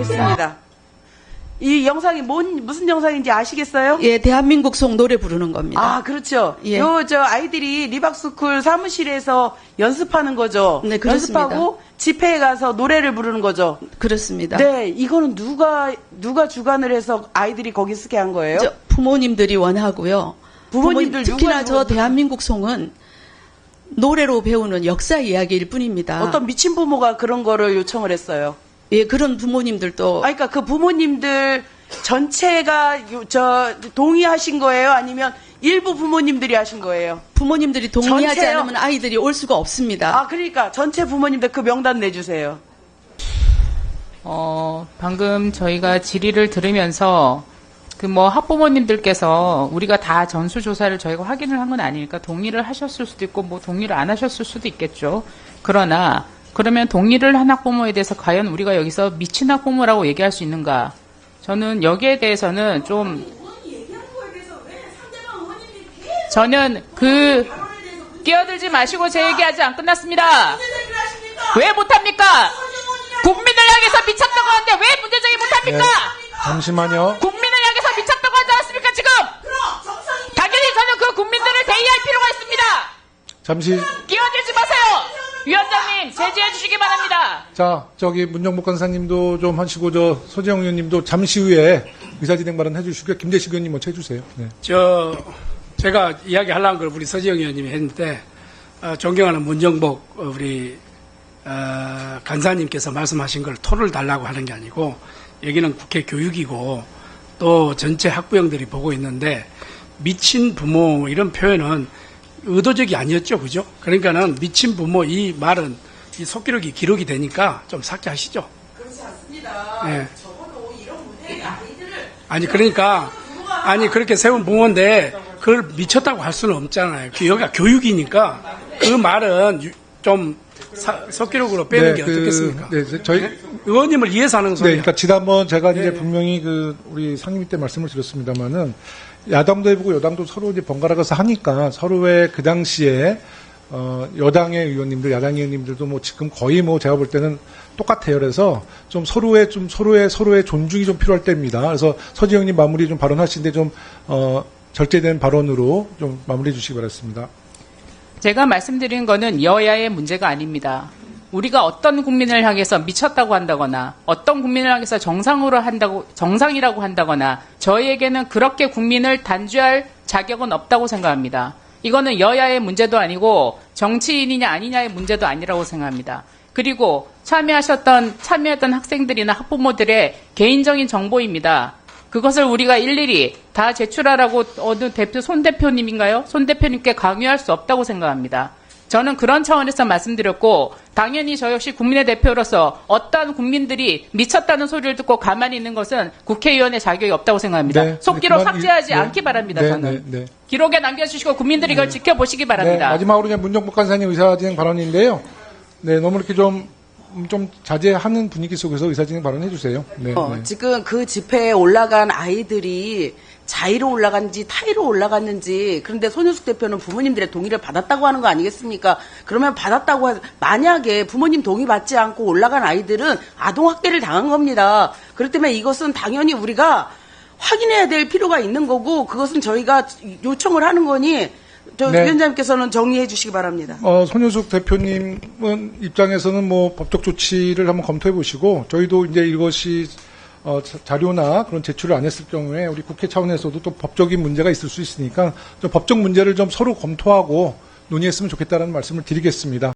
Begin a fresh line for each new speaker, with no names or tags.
됐습니다. 이 영상이 무슨 영상인지 아시겠어요?
예, 대한민국 송 노래 부르는 겁니다.
아, 그렇죠.
예.
아이들이 리박스쿨 사무실에서 연습하는 거죠.
네, 그렇습니다.
연습하고 집회에 가서 노래를 부르는 거죠.
그렇습니다.
네, 이거는 누가 주관을 해서 아이들이 거기 쓰게 한 거예요?
부모님들이 원하고요.
부모님들
특히나 저 대한민국 송은 노래로 배우는 역사 이야기일 뿐입니다.
어떤 미친 부모가 그런 거를 요청을 했어요.
예, 그런 부모님들도
그러니까 그 부모님들 전체가 동의하신 거예요? 아니면 일부 부모님들이 하신 거예요?
부모님들이 동의하지
전체요?
않으면 아이들이 올 수가 없습니다.
아, 그러니까 전체 부모님들 그 명단 내주세요.
방금 저희가 질의를 들으면서 학부모님들께서 우리가 다 전수조사를 저희가 확인을 한 건 아니니까 동의를 하셨을 수도 있고 동의를 안 하셨을 수도 있겠죠. 그러나 그러면 동의를 한 학부모에 대해서 과연 우리가 여기서 미친 학부모라고 얘기할 수 있는가? 저는 여기에 대해서는 저는 끼어들지 마시고 제 얘기 아직 안 끝났습니다. 왜 못합니까? 국민을 향해서 미쳤다고 하는데 왜 문제제기 못합니까?
네, 잠시만요.
국민을 향해서 미쳤다고 하지 않았습니까 지금? 당연히 저는 그 국민들을 대의할 필요가 있습니다.
잠시.
끼어들지 마세요. 위원장님 제지해 주시기 바랍니다.
자, 문정복 간사님도 좀 하시고, 소재영 의원님도 잠시 후에 의사진행 발언 해주시고요. 김재식 의원님 먼저 해주세요. 네.
제가 이야기하려는 걸 우리 서지영 의원님이 했는데, 존경하는 문정복, 우리, 간사님께서 말씀하신 걸 토를 달라고 하는 게 아니고, 여기는 국회 교육이고, 또 전체 학부형들이 보고 있는데, 미친 부모, 이런 표현은 의도적이 아니었죠. 그죠? 그러니까는 미친 부모 이 말은 이 속기록이 기록이 되니까 좀 삭제하시죠.
그렇지 않습니다.
네.
적어도 이런 문제의 아이들을
그렇게 세운 부모인데 그걸 미쳤다고 할 수는 없잖아요. 여기가 교육이니까 그 말은 좀 속기록으로 빼는 게 어떻겠습니까?
저희
의원님을 위해서 하는
네,
소리예요.
그러니까 지난번 제가 이제 분명히 우리 상임위 때 말씀을 드렸습니다만은 야당도 해보고 여당도 서로 이제 번갈아가서 하니까 서로의 그 당시에 여당의 의원님들, 야당 의원님들도 지금 거의 제가 볼 때는 똑같아요. 그래서 좀 서로의 존중이 좀 필요할 때입니다. 그래서 서지영님 마무리 좀 발언하시는데 절제된 발언으로 좀 마무리해 주시기 바랍니다.
제가 말씀드린 거는 여야의 문제가 아닙니다. 우리가 어떤 국민을 향해서 미쳤다고 한다거나 어떤 국민을 향해서 정상이라고 한다거나 저희에게는 그렇게 국민을 단죄할 자격은 없다고 생각합니다. 이거는 여야의 문제도 아니고 정치인이냐 아니냐의 문제도 아니라고 생각합니다. 그리고 참여했던 학생들이나 학부모들의 개인적인 정보입니다. 그것을 우리가 일일이 다 제출하라고 어느 손 대표님인가요? 손 대표님께 강요할 수 없다고 생각합니다. 저는 그런 차원에서 말씀드렸고 당연히 저 역시 국민의 대표로서 어떤 국민들이 미쳤다는 소리를 듣고 가만히 있는 것은 국회의원의 자격이 없다고 생각합니다.
네,
속기록 삭제하지 않기 바랍니다. 저는.
네.
기록에 남겨주시고 국민들이 이걸 지켜보시기 바랍니다.
네, 마지막으로 그냥 문정복 간사님 의사진행 발언인데요. 네, 너무 이렇게 좀 자제하는 분위기 속에서 의사진행 발언해 주세요. 네, 네.
지금 그 집회에 올라간 아이들이 자의로 올라갔는지 타의로 올라갔는지 그런데 손윤숙 대표는 부모님들의 동의를 받았다고 하는 거 아니겠습니까? 그러면 만약에 부모님 동의 받지 않고 올라간 아이들은 아동학대를 당한 겁니다. 그렇기 때문에 이것은 당연히 우리가 확인해야 될 필요가 있는 거고 그것은 저희가 요청을 하는 거니
네.
위원장님께서는 정리해 주시기 바랍니다.
손윤숙 대표님은 입장에서는 법적 조치를 한번 검토해 보시고 저희도 이제 이것이 자료나 그런 제출을 안 했을 경우에 우리 국회 차원에서도 또 법적인 문제가 있을 수 있으니까 좀 법적 문제를 좀 서로 검토하고 논의했으면 좋겠다는 말씀을 드리겠습니다.